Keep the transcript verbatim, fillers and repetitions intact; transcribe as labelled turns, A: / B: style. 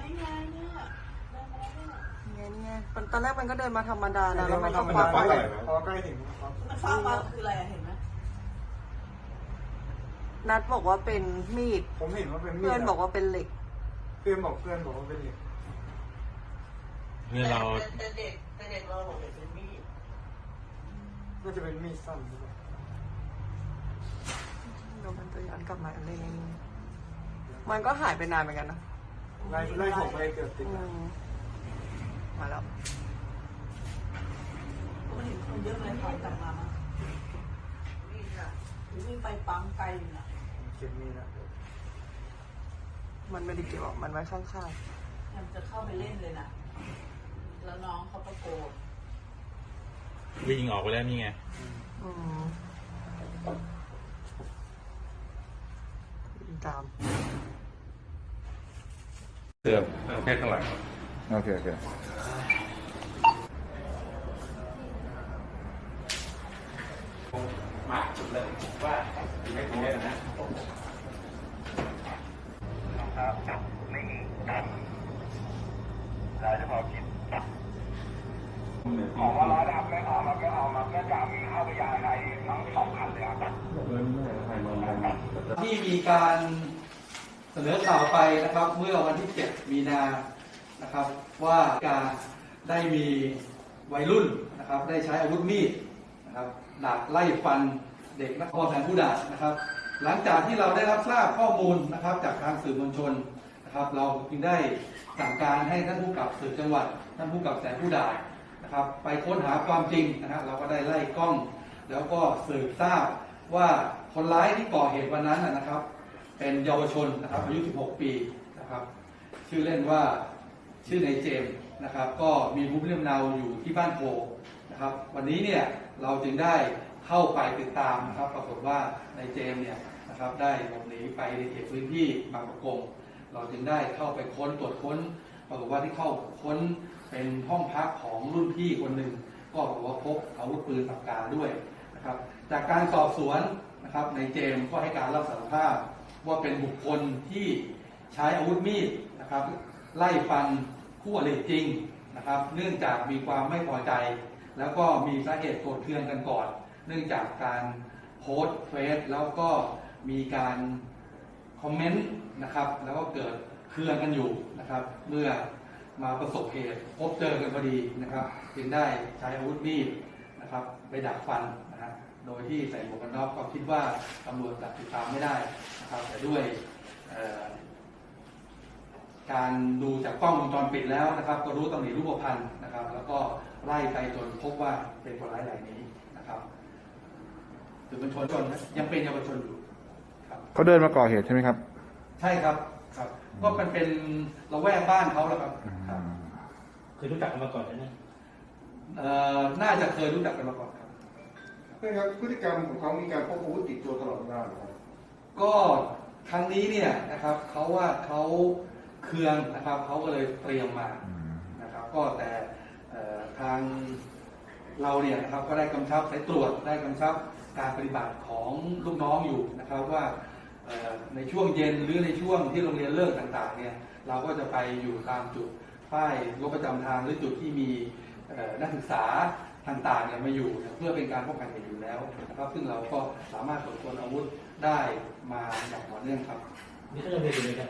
A: นี่ไงเนี่ยเดินมาแล้วเนี่ย
B: ไงนี่ไงตอนแรกมันก็เดินมาธรรมดานะแล้วมันก็
C: มัน
B: ควัก
C: ฟ้า
B: ไป
C: ใหญ่พอใกล้ถึงครับ
A: มันฟ้ามาคืออะไรอะเห็นไหม
B: นัดบอกว่าเป็นมีด
C: ผมเห็นว่าเป็นมีด
B: เพื่อนบอกว่าเป็นเหล็ก
C: เพื่อนบอกเพื่อนบอกว่าเป็นเหล็ก
D: เนี่ยเรา
A: แต่เด็กแต่เด็กเราบอกเป็นมีด
C: น่าจะเป็นมีดสั้นหรือเปล่า
B: เดี๋ยวมันจะย้อนกลับมาเลยมันก็หายไปนานเหมือนกันนะ
C: ไล่ไล่ผมไปเกือบติด
B: อืมมาแล้ว
A: มันเห็นคนเยอะเลยถอยกลับมามั้งนี่ค่ะถึงวิ่งไปปั๊มไกลอยู่นะ
C: เก็บมีดนะ
B: มันไม่ได้เก็บหรอกมันไว้ข้าง
A: มันจะเข้าไปเล่นเลยนะแล้วน้องเขาตะโกน
D: วิ่งออกไปแล้วนี่ไง
B: ๆอืมวิ่งตาม
D: เสือแค่ข้างหลัง
E: โอเคโอเค
D: มาจุดเลยว่าไม่ถึงได้นะ
F: ครับไม่มีครับเราจะพอคิดของว่าร้อยดำไม่เอามาก็เอามาก็จะมีข้าวพยาไทยทั้งสองคันเลยครับ
G: ที่มีการเสนอข่าวไปนะครับเมื่อวันที่เจ็ดมีนานะครับว่าการได้มีวัยรุ่นนะครับได้ใช้อาวุธมีดนะครับดักไล่ฟันเด็กนักเรียนแสนผู้ด่านะครับหลังจากที่เราได้รับทราบข้อมูลนะครับจากทางสื่อมวลชนนะครับเราจึงได้สั่งการให้ท่านผู้กำกับสืบจังหวัดท่านผู้กำกับแสนผู้ด่านะครับไปค้นหาความจริงนะครับเราก็ได้ไล่กล้องแล้วก็สืบทราบว่าคนร้ายที่ก่อเหตุวันนั้นนะครับเป็นเยาวชนนะครับอายุสิบหกปีนะครับชื่อเล่นว่าชื่อนายเจมส์นะครับก็มีภูมิลำเนาอยู่ที่บ้านโพนะครับวันนี้เนี่ยเราจึงได้เข้าไปติดตามนะครับปรากฏว่านายเจมส์เนี่ยนะครับได้หลบหนีไปในเขตพื้นที่บางประกงเราจึงได้เข้าไปค้นตรวจค้นปรากฏว่าที่เข้าค้นเป็นห้องพักของรุ่นพี่คนหนึ่งก็บอกว่าพบอาวุธปืนปากกาด้วยนะครับจากการสอบสวนนะครับนายเจมส์ก็ให้การรับสารภาพว่าเป็นบุคคลที่ใช้อาวุธมีดนะครับไล่ฟันคู่อริจริงนะครับเนื่องจากมีความไม่พอใจแล้วก็มีสาเหตุโกรธเคืองกันก่อนเนื่องจากการโพสต์เฟซแล้วก็มีการคอมเมนต์นะครับแล้วก็เกิดเคืองกันอยู่นะครับเมื่อมาประสบเหตุพบเจอกันพอดีนะครับจึงได้ใช้อาวุธมีดนะครับไปดักฟันนะฮะโดยที่ใส่หมวกกันน็อกก็คิดว่าตำรวจจับติดตามไม่ได้นะครับแต่ด้วยการดูจากกล้องวงจรปิดแล้วนะครับก็รู้ตำหนิรูปพรรณนะครับแล้วก็ไล่ไปจนพบว่าเป็นคนร้ายรายนี้นะครับถือเป็นชนชนยังเป็นเยาวชนอยู่ครับ
E: เขาเดินมาก่อเหตุใช่ไหมครับ
G: ใช่ครับครับก็มันเป็นละแวกบ้านเขาแล้วครับครับ
D: เคยรู้จักกันมาก่อนใช่ไหม
G: เอ่อน่าจะเคยรู้จักกันมาก่อนครับ
C: เพื่อนครับพฤติกรรมของเขามีการพกอาวุธติดตัวตลอดเวลาหรือครับ
G: ก็ครั้งนี้เนี่ยนะครับเขาว่าเขาเคืองนะครับเขาก็เลยเตรียมมานะครับก็แต่ทางเราเนี่ยนะครับก็ได้กำชับสายตรวจได้กำชับการปฏิบัติของลูกน้องอยู่นะครับว่าในช่วงเย็นหรือในช่วงที่โรงเรียนเลิกต่างๆเนี่ยเราก็จะไปอยู่ตามจุดป้ายรถประจำทางหรือจุดที่มีนักศึกษาต่างๆเนี่ยมาอยู่เพื่อเป็นการป้องกันเหตุอยู่แล้วนะครับซึ่งเราก็สามารถตรวจค้นอาวุธได้มาอย่างต่อเนื่องครับ
D: นี่ก็จะเป็นยังไง